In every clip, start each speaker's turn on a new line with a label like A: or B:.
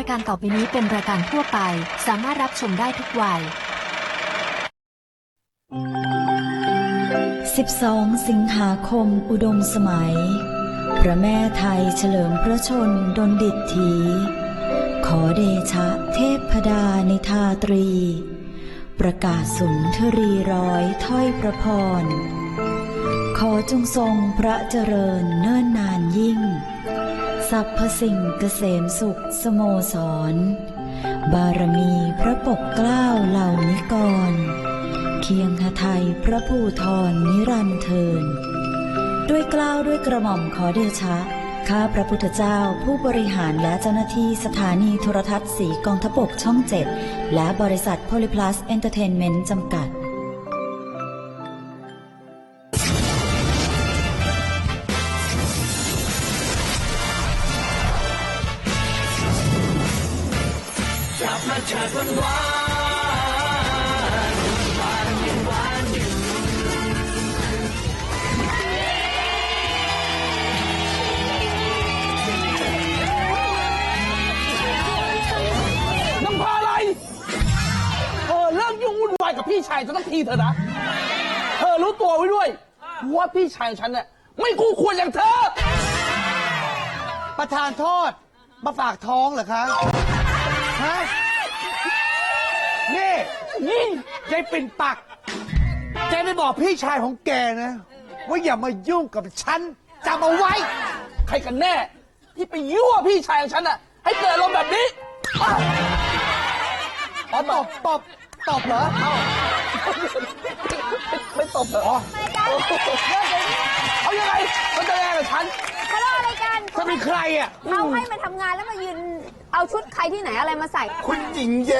A: ายการต่อไปนี้เป็นรายการทั่วไปสามารถรับชมได้ทุกวัย
B: 12 สิงหาคมอุดมสมัยพระแม่ไทยเฉลิมพระชนดลดิษฐีขอเดชะเทพดานิทาตรีประกาศสุนทรีร้อยถ้อยประพรขอจงทรงพระเจริญเนิ่นนานยิ่งสรรพสิ่งเกษมสุขสโมสรบารมีพระปกเกล้าเหล่านิกรเคียงหทัยพระภูธรนิรันดร์เทินด้วยเกล้าด้วยกระหม่อมขอเดชะข้าพระพุทธเจ้าผู้บริหารและเจ้าหน้าที่สถานีโทรทัศน์สีกองทพบกช่อง 7และบริษัทโพลิพลัสเอนเตอร์เทนเมนต์จำกัด
C: กับพี่ชายฉันทั้งทีเถอะนะเธอรู้ตัวไว้ด้วยว่าพี่ชายฉันเนี่ยไม่คู่ควรอย่างเธอ
D: ประธานโทษมาฝากท้องเหรอคะฮะนี่ยายปิ่นปักแกได้บอกพี่ชายของแกนะว่าอย่ามายุ่งกับฉันจำเอาไว้
C: ใครกันแน่ที่ไปยั่วพี่ชายของฉันน่ะให้เกิดอารมณ์แบบนี้
D: ตบเหรอ
C: ไม่ตบเหรอเอายังไงมันจะแย่กับฉัน
E: ทะเลาะอะไรกัน
D: จะเป็นใครอ่ะ
E: เขาให้มาทำงานแล้วมายืนเอาชุดใครที่ไหนอะไรมาใส่
F: คุณหญิงแย่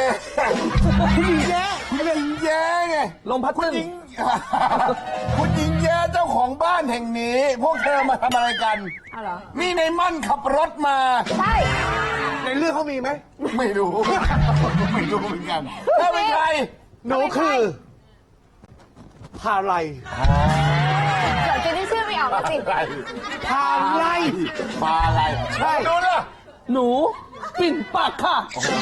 F: ไง
C: ลมพัดตึ้ง
F: คุณหญิงแย่เจ้าของบ้านแห่งนี้พวกเธอมาทำอะไรกันนี่ในมั่นขับรถมา
E: ใช่
D: ในเรื่องเขามีไหม
F: ไม่รู้เหมือนกันเธอเป็นใคร
D: หนูคือพาไล
E: เดี๋ยวจะได้ชื่อไม่ออกแล้วสิ
D: พาไล
F: ใช่ดูนะ
C: หนูปิ่นปากค่ะ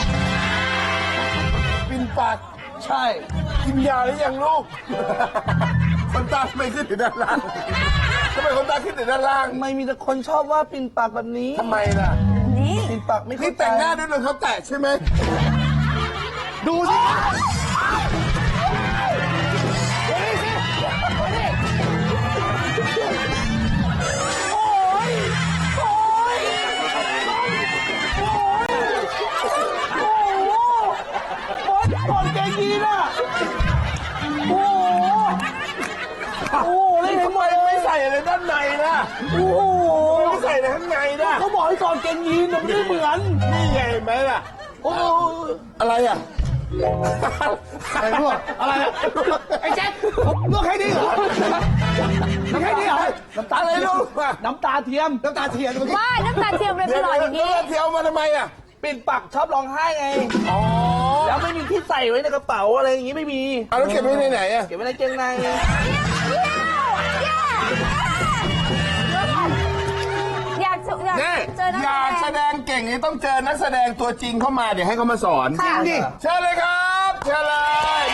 F: ปิ่นปาก
C: ใช่
F: กินยาหรือยังลูกคนตาทำไมขึ้นถึงด้านล่างทำไมคนตาขึ้นถึงด้านล่าง
C: ไม่มีแต่คนชอบว่าปิ่นปากแบบนี้
F: ทำไมล่ะ
E: นี่
C: ปิ่นปากไม่
F: นี่แต่งหน้าด้วยรองเท้าแตะใช่ไหม
D: ดูสิ
C: ก่อนแกยีน่ะโอ้เลย
F: ทำไมไม่ใส่อะไรด้านในล่ะไม่ใส่อะไรข้างในล่ะ
C: เขาบอกให้ก่อนแกยีนมันไม่เหมือน
F: นี่ไงเห็นไหมล่ะอะไรอ่ะ
D: อะไรพวกอะไรอ่ะไอ้แจ๊คลวกแค่นี้เหรอน้ำแค่นี้เหรอ
F: น้ำตาอะไรลูก
C: น้ำตาเทียม
E: ว่าน้ำตาเทียมเลยเป็นหลอดอย่างนี้
F: น้ำตาเทียมมาทำไมอ่ะ
C: ปิ่นปักชอบร้องไห้ไงแล้วไม่มีที่ใส่ไว้ในกระเป๋าอะไรอย่างงี้ไม่มี
F: แล้วเก็บไว้ในไหนอ่ะ
C: เก็บไว้ในเกงใน
E: อยากเจอ
F: อยากแสดงเก่งนี่ต้องเจอนักแสดงตัวจริงเข้ามาเดี๋ยวให้เขามาสอน
D: จริงดิ
F: เชิญเลยครับเชิญเลย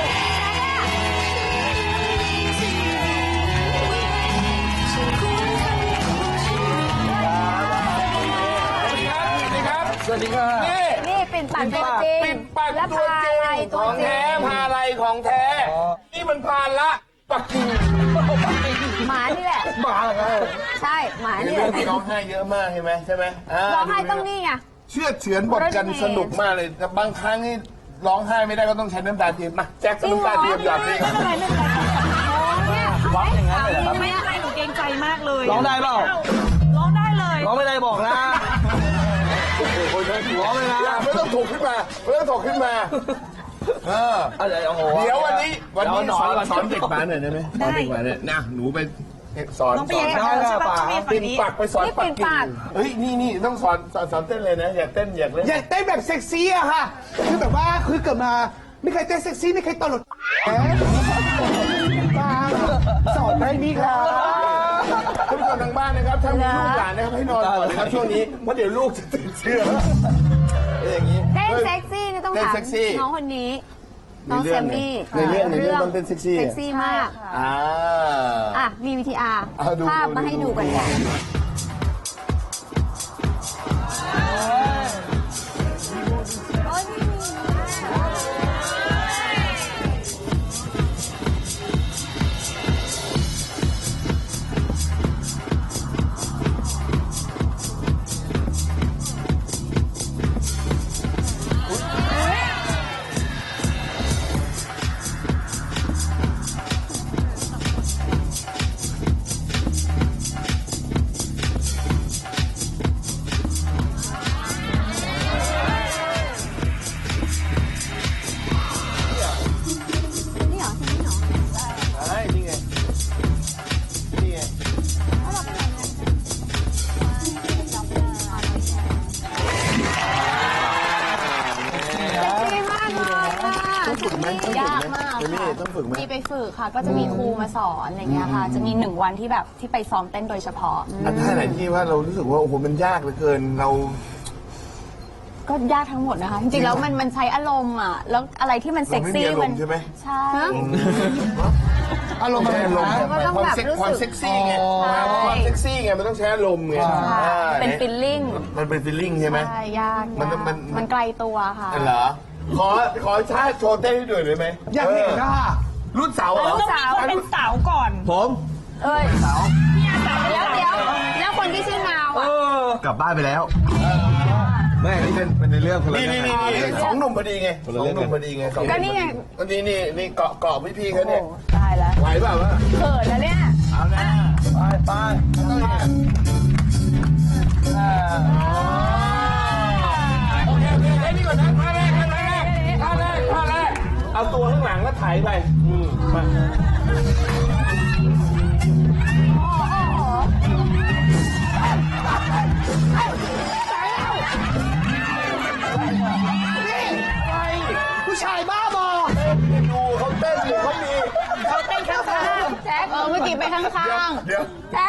C: สวัสดีครับ
E: นี่ปิ่นปักตัวจริง
F: ปิ่นปักตัวจริงของแท้พาอะไรของแท้นี่มันพาละปักกิ่ง
E: หมานี่แหละ
C: หมาไง
E: ใช่หมานี่แหละ
F: ร้องไห้เยอะมากใช่ไหม
E: ร้องไห้ต้องนี่ไง
F: เชื่อเฉือนบทกันสนุกมากเลยแต่บางครั้งนี่ร้องไห้ไม่ได้ก็ต้องใช้น้ำตาเทียมมาแจ็คน้ำตาเทียมหยอดนี่
C: ร้องอย่างนั้นเลยครับ
G: ไม่อะไรหนูเกรงใจมากเลย
C: ร้องได้เปล่า
G: ร้องได้เลย
C: ร้องไม่ได้บอกนะ
F: ร้องเลยนะไม่ต้องถกขึ้นมาเดี๋ยววันนี้สอนเด็กบ้านหน่อยได้ไหมสอนเด็กบ้านเนี่ยนะหนูไปสอนปิ่นปักไปสอนปักกิ่งเฮ้ยนี่ต้องสอนเต้นเลยนะอยากเต้น
D: แบบเซ็กซี่อะค่ะคือแบบว่าคือเกิดมาไม่เคยเต้นเซ็กซี่ไม่เคยตลกสอนได้มีครับ
F: ท่านผู้ชมทางบ้านนะครับถ้ามีลูกหลานนะครับให้นอนก่อนนะครับช่วงนี้เพราะเดี๋ยวลูกจะตื่นเชื่อเต้น
E: ถาม
F: เซ็กซี่
E: น้องคนนี้ น้องแซมมี่
F: ในเรื่องต้องเต้นเซ็กซี่
E: เซ็กซี่มาก อ่ะ มี VTR ภาพมาให้ดูกันค่ะ นี่เหรอนี่เหรอ
F: ใช่นี่ไงนี่ไง
E: ดีมากเลยค่ะ
F: ต้องฝึกไหม
E: ยากมาก
F: เจมี่ต้องฝึกไหม
H: มีไปฝึกค่ะ ก็จะมีครูมาสอนอะไรเงี้ยค่ะ จะมี1 วันที่แบบที่ไปซ้อมเต้นโดยเฉพาะ
F: อันท่าไหนที่ว่าเรารู้สึกว่าโอ้โหมันยากเหลือเกินเรา
H: ก็ยากทั้งหมดนะคะ จริงๆแล้วมันใช้อารมณ์อ่ะ แล้วอะไรที่มันเซ็กซี่
F: เราไม่มีอารมณ์ใช่ไหม
H: ใช่
D: อารมณ์อะไร
F: อารมณ์
D: นะ
E: ก็ต้องแบบรู้สึก
F: ความเซ็กซี่ไงความเซ็กซี่ไงมันต้องใช้อารมณ์ไง
H: เป็นฟีลลิ่ง
F: มันเป็นฟีลลิ่งใช่ไหม
H: ใช่ยาก
F: มัน
H: ไกลตัวค่ะ
F: เหรอขอชาติโชว์เต้นให้ดูหน่อยไหม
D: อยากเห็นนะ
F: รุ่นเสาเหรอ
G: ต้องมีคนเป็นสาวก่อน
F: ผม
E: เอ้ยเดี๋ยวแล้วคนที่ชื่อนาวอ่ะ
I: กลับบ้านไปแล้วไม่นี่เป็นในเรื่องคนละ
F: นี่
I: เรื่อง
F: นี่สองหนุ่มพอดีไงสองหนุ่มพอดีไง
E: ก็นี่ไง
F: นี่เกาะพี่เขาเนี่ย
E: ตายแล้ว
F: ไหวเปล่าวะ
E: เขินแล้วเนี่ย
F: เอานะไปต้องอย่างนี้โอเคได้นี่ก่อนนะท่าแรกเอาตัวข้างหลังแล้วถ่ายไปมา
D: ผู้ชายบ้าบอ
F: ดูเขาเต้นอยู่เขามี
H: เขาเต้นข้างๆแจ็คเมื่อกี้ไปข้างๆ
F: เดี๋ยว
H: แจ็ค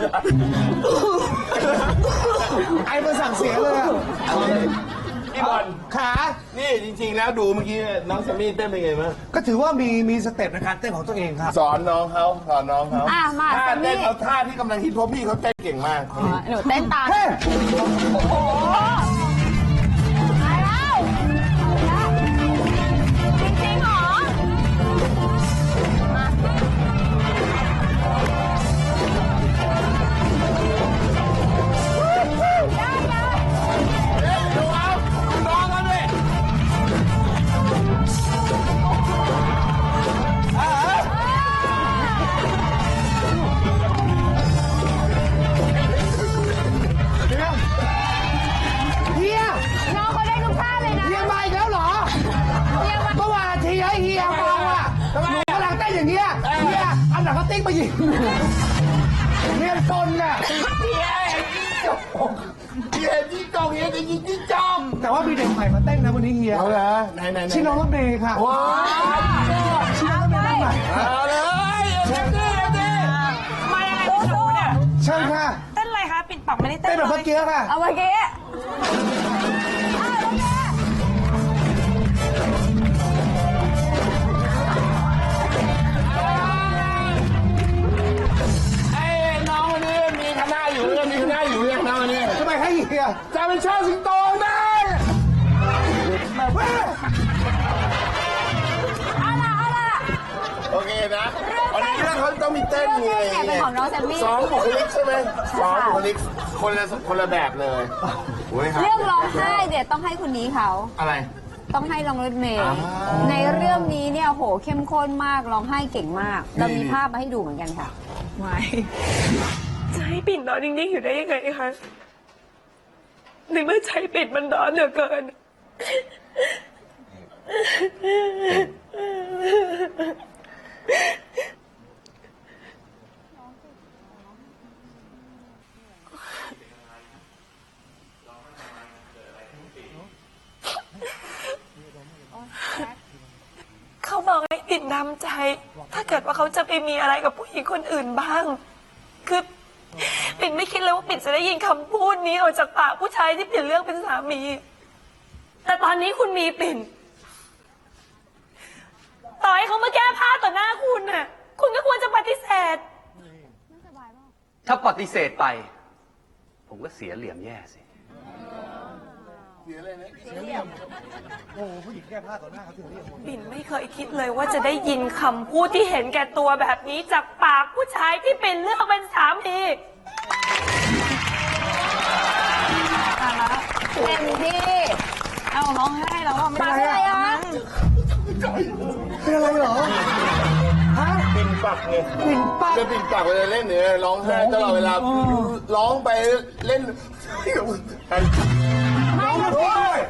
D: ไอ้มันสั่งเสียเลยอะ
F: พี่บอล
D: ขา
F: นี่จริงๆแล้วดูเมื่อกี้น้องแซมมี่เต้นเป็นไงบ้าง
D: ก็ถือว่ามีสเต็ปในการเต้นของตัวเองครับ
F: สอนน้องเขา
E: อ่ะมา
F: ท่า
E: แซมมี่
F: เต้นเอาท่าที่กำลังฮิตเพราะพี่เขาเต้นเก่งมาก
H: หนูเต้นตาม
D: เฮ้ย
E: ตายแล้วจริงๆเหรอ
D: เฮีย
E: น้องเขาได้ทุกท่าเลยนะ
D: เฮียมาอีกแล้วเหรอ เมื่อวานทีให้เฮียเมาอ่ะหนูกำลังเต้นอย่างเงี้ยเฮียเอาหนังกระติ๊กมายิงเฮียตนน่ะ
F: เฮียที่กองเฮียจะยิงที่จอม
D: แต่ว่ามีเด็กใหม่มาเต้นนะวันนี้เฮีย
F: เอาละไหน
D: ชื่อน้องรถเมย์ค่ะ
F: ว้าว
D: ชื่อน้องรถเมย์บ้างไหม
F: เอาเลยเดี๋ยวดิ
G: มายังไงพี่หนูเนี่ย
D: เชิญค่ะ
G: เต้นอะไรคะ ปิดปากไม่ได้เต้
D: เต้น
G: น
D: แบบ
G: เล
D: เมื่อย กี้ค่ะ
E: เอาเมื่อกี้
F: ไอ้น้องคนนี้มีคณะอยู่ยังน้องคนนี้
D: ทำไมให้เฮีย
F: จะเป็นชาติสิงโตได้ โอเคนะวันนี้เรื่องเขาต้องมีเต้นไง
E: เรื่องเต้นเนี่ยเป็นของน้องแซมมี่
F: สองบุคลิกใช่ไหมสองบุคลิกคนละแบบเลยโอ้ยครับ
E: เรื่องร้องไห้เดี๋ยวต้องให้คนนี้เขา
F: อะไร
E: ต้องให้น้องรถเมย์ในเรื่องนี้เนี่ยโหเข้มข้นมากร้องไห้เก่งมาก เรามีภาพมาให้ดูเหมือนกันค่ะ
G: ไม่จะให้ปิ่นนอนนิ่งๆอยู่ได้ยังไงคะในเมื่อใจปิ่นมันร้อนเหลือเกิน เขาบอกให้ปิ่นทำใจ ถ้าเกิดว่าเขาจะไปมีอะไรกับผู้หญิงคนอื่นบ้าง คือปิ่นไม่คิดเลยว่าปิ่นจะได้ยินคำพูดนี้ออกจากปากผู้ชายที่ปิ่นเลือกเป็นสามี แต่ตอนอนนี้คุณมีปิ่น ต่อให้เขามาแก้ผ้าต่อหน้าคุณน่ะ คุณก็ควรจะปฏิเสธ
J: ถ้าปฏิเสธไป ผมก็เสียเหลี่ยมแย่สิ
G: ปิ่นไม่เคยคิดเลยว่าจะได้ยินคำพูดที่เห็นแก่ตัวแบบนี้จากปากผู้ชายที่ปิ่นเลือกเป็นสามี
E: เต็มที่
H: เอาร้องไห้แล้วอะไม่
E: ปาก
H: ได้
E: อะไรอ่ะ
D: เป็นอะไรเหรอ ฮะ
F: ปิ่นปักไง
D: ปิ่นปัก
F: จะปิ่นปักเวลาเล่นเนี่ยร้องไห้ตลอดเวลาร้องไปเล่น
D: น้องมาด้วย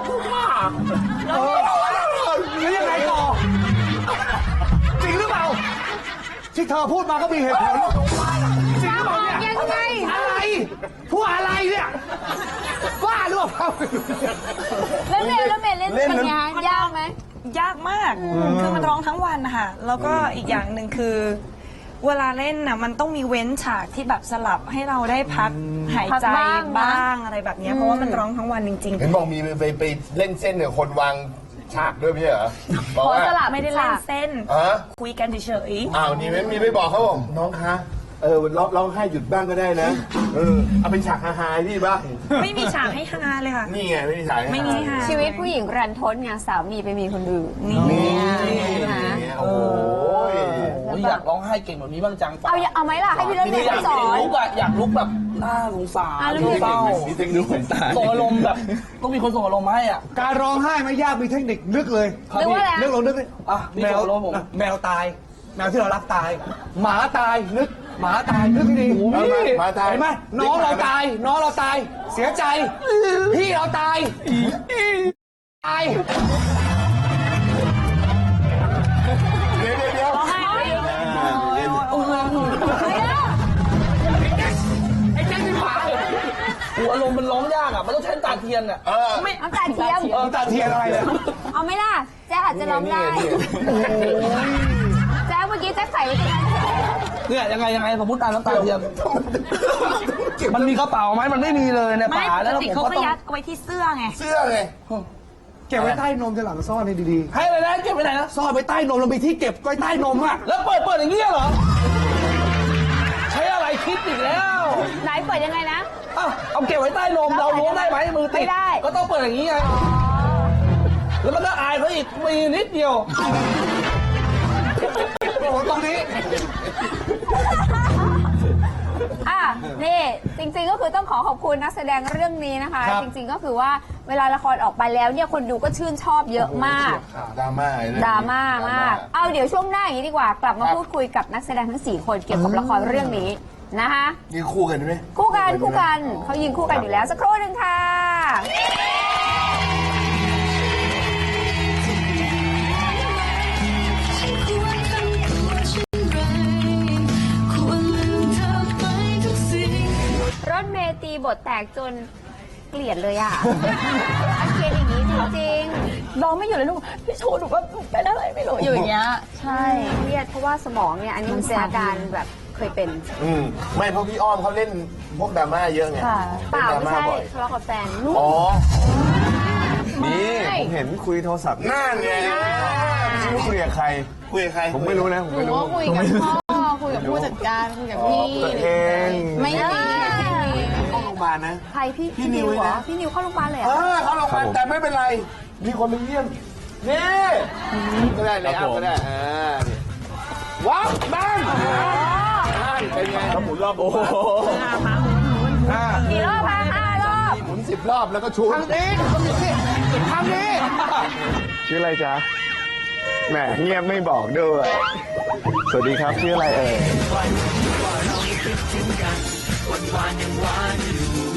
D: แล้วยังไงต่อ จริงหรือเปล่า ที่เธอพูดมาก็มีเหตุผลจริงหรือเปล่าเนี่ย
E: ยังไง
D: อะไรพูดอะไรเนี่ยบ้าหรือเปล่า
H: แล้วเมย์เล่นเป็นไงยากไหม
G: ยากมาก คือมันร้องทั้งวันนะคะแล้วก็อีกอย่างหนึ่งคือ เวลาเล่นน่ะมันต้องมีเว้นฉากที่แบบสลับให้เราได้พักหายใจ
H: พักบ้างนะ
G: บ้างอะไรแบบเนี้ยเพราะว่ามันร้องทั้งวันจริง
F: เห็นบอกมีไปเล่นเส้นกับคนวางฉากด้วยไม่ใช่เหรอบอก
H: ขอ
F: ว่า
H: สลับ
G: ๆ ไม่ได้เล่นเส้น
F: ฮะ
G: คุยกันเฉย
F: อ้าวนี่มีไม่บอกเขาบอกน้องคะร้องไห้หยุดบ้างก็ได้นะเอาเป็นฉากฮาๆพี่บ้าง
G: ๆ ไม่มีฉากให้ฮาเลยค่ะ
F: นี่ไงไม่มีฉากให้
G: ไม่มีฮา
E: ชีวิตผู้หญิงรันทดไงสามีไปมีคนอื่น
G: นี่
F: นี่โอ้ย
C: อยากร้องไห้เก่งแบบนี้บ้างจัง
E: เอาไหมล่ะ ให้พี่เล่น
C: ที
E: เม
C: นี้
E: ย์สอน
C: อยากลุกแบบน่าสงสารเศร้า
I: นี่เทคนิคเหมือนตาย
C: ส่งอารมณ์แบบต้องมีคนส่งอารมณ์มาให้อ่ะ
D: การร้องไห้ไม่ยากมีเทคนิคนึกเลย
E: นึกว่าอะไร
D: นึกลองนึกดิ
C: อ่ะนี่
D: แมว
C: ส่งอารมณ์ผม
D: แมวตาย แมวที่เรารักตาย หมาตายนึกหมาตายนึกให้ดี
F: หมาตาย
D: เห็นไหมน้องเราตาย น้องเราตาย เสียใจ พี่เราตายตาย
F: เดี๋ยว
C: ไอ้แจ๊คเป็นหมาโอ้อารมณ์มันร้องยากอ่ะมันต้องใช้น้ำตาเทียนอ่ะ
E: ไม่น้ำตาเทียม
D: น้ำตาเทียนอะไรเนี่ย
E: เอาไหมล่ะ แจ๊คอาจจะร้องได้แจ๊คเมื่อกี้แจ๊คใส่ไว้ตรงนั้น
C: เนี่ยยังไงผมพูดตามน้ำตาเทียนมันมีกระเป๋าไหมมันไม่มีเลยใน
G: ไม่
C: ป่า
G: ป
C: แล้ว
G: กติ
C: ผม
G: เขา
C: ก็
G: ก็
C: ต้อง
G: ยัดไว้ที่เสื้อไง
F: เสื้อไง
D: เก็บไว้ใต้นมจะหลังซ่อนให้ดี
C: ให้เลยนะเก็บไปไหนนะ
D: ๆ ซ่อนไว้ใต้นมเรามีที่เก็บไว้ใต้นมอ่ะ
C: แล้วเปิดอย่างเงี้ยเหรอ ใช้อะไรคิดอีกแล้ว
E: ไหนเปิดยังไงนะ
C: อ้าวเอาเก็บไว้ใต้นมเราล้วงได้ไหมมือติด
E: ไม่ได้
C: ก็ต้องเปิดอย่างนี้ไงแล้วมันก็อายเขาอีกมีนิดเดียว
D: โอ้โหตรงนี้
E: อ่ะนี่จริงๆก็คือต้องขอบคุณนักแสดงเรื่องนี้นะคะ
D: ครับ
E: จริงๆก็คือว่าเวลาละครออกไปแล้วเนี่ยคนดูก็ชื่นชอบเยอะมาก
F: ดราม่า
E: ดราม่ามาก เอาเดี๋ยวช่วงหน้าอย่างนี้ดีกว่า กลับมาพูดคุยกับนักแสดงทั้ง 4 คนเกี่ยวกับละครเรื่องนี้นะคะ
F: นี่คู่กันไหม
E: คู่กันเขายิงคู่กันอยู่แล้วสักครู่หนึ่งค่ะ รถเมย์ตีบทแตกจนเกลียดเลยอ่ะ อาเกลียดอย่างนี้จริงๆ
H: ร้องไม่หยุดเลยลูกพี่โชว์หนูว่าเป็นอะไรไม่รู้อยู่อย่างเงี้ย
E: ใช่เครียดเพราะว่าสมองเนี่ยอันนี้มันเป็นอาการแบบเคยเป็น
F: ไม่เพราะพี่อ้อมเขาเล่นพวกดราม่าเยอะไง
E: เปล่า
F: ล่นด
E: ไม่
F: รา
E: ใช่
F: บ่อย
E: ทะเลาะกับแฟนลูก
F: อ๋อ
I: นี่ผมเห็นคุยโทรศัพท์
F: นั่นไง
I: ไม่รู้คุยกับใคร
F: คุยกับใคร
I: ผมไม่รู้นะ ผม
H: หนู
I: ไม่รู้
H: ก็คุยกับพ่อ คุยกับผู้จัดการ คุยกับพี่
I: ตัวเอง
H: ไม่มี
F: เข้าโรงพยาบาลนะ
E: ใครพี่
F: พี่นิว
E: เหรอ
F: นะ
E: พี่นิวเข้าโรงพยาบาลเลยเหร
F: เอ
E: อ
F: อเข้าโรงพยาบาลแต่ไม่เป็นไร มีคนมาเยี่ยม นี่ก็ได้เลยก็ได้ว้าวบ้างเป็นไงเขาหมุนรอบโอ้โห
E: กี่รอบคะ5 รอบ
F: หมุน10 รอบแล้วก็ชู
D: ทางนี้ทางนี้
I: ชื่ออะไรจ๊ะแหมเงียบไม่บอกด้วย สวัสดีครับ ชื่ออะไรเอ่ย